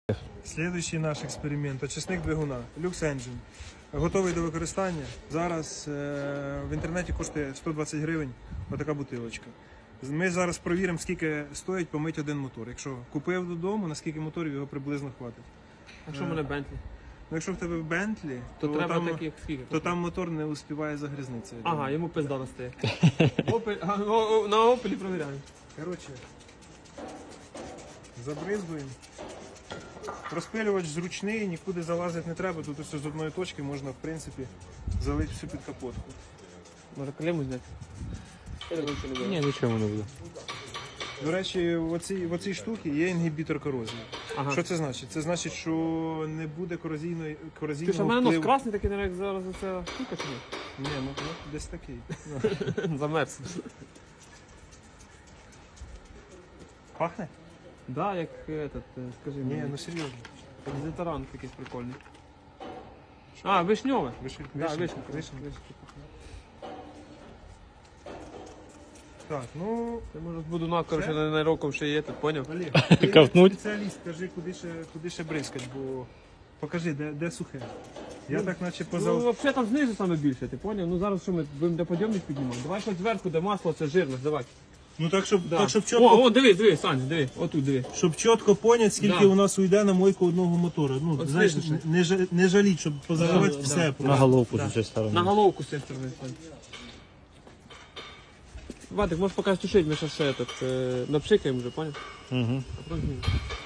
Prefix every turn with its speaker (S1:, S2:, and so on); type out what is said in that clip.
S1: Слідуючий наш експеримент – очисник двигуна Lux Engine. Готовий до використання. Зараз в інтернеті коштує 120 гривень отака бутилочка. Ми зараз провіримо, скільки стоїть помити один мотор. Якщо купив додому, на скільки моторів його приблизно хватить.
S2: Якщо в мене Бентлі,
S1: Ну, якщо в тебе Bentley,
S2: то треба
S1: там,
S2: таких скільки?
S1: то там мотор не успіває загрізнитися.
S2: Ага, йому пизда достає. На Опелі провіряємо.
S1: Коротше, забризгуємо. Розпилювач зручний, нікуди залазити не треба. Тут ось з одної точки можна, в принципі, залити всю під капотку.
S2: Може клему зняти?
S3: Ні, нічого не буде.
S1: До речі, в оцій штуці є інгібітор корозії.
S2: Ага.
S1: Що це значить? Це значить, що не буде
S2: Ти
S1: корозійного
S2: що, в мене нос
S1: впливу.
S2: красний такий, як зараз ця штука чи ні?
S1: Ні, ну десь такий.
S2: Замерз.
S1: Пахне?
S2: Да, як этот, скажи
S1: Ні,
S2: мені.
S1: ну серйозно.
S2: Дезодорант якийсь прикольний. А, вишньове. Да, вишенька.
S1: Вишенька. Так, ну,
S2: Я може буду коротше, на роком ще є, тут, поняв?
S1: Олег, ти
S3: Ковтнуть?
S1: спеціаліст, кажи, куди ще бризкать, бо покажи, де сухе. Я так наче
S2: Ну,
S1: позав...
S2: взагалі там знизу саме більше, ти поняв? Ну зараз що ми будемо де подйомник піднімати? Давай хоч зверху, де масло, це жирно, давай.
S1: Ну так, щоб
S2: Да.
S1: чітко,
S2: О, диви, Саня, диви, отут диви.
S1: щоб чітко поняти, скільки
S2: Да.
S1: у нас уйде на мойку одного мотора. Ну,
S2: От
S1: знаєш,
S2: слышно.
S1: не жаліть, щоб позаливати
S2: Да,
S1: все.
S2: да.
S1: просто.
S3: На головку
S2: Да.
S3: з цієї сторони.
S2: На головку з цієї сторони, Сань. Вадик, можеш поки стушити, ми зараз ще напшикаємо вже, поняв?
S3: Угу.
S2: А потім знімемо.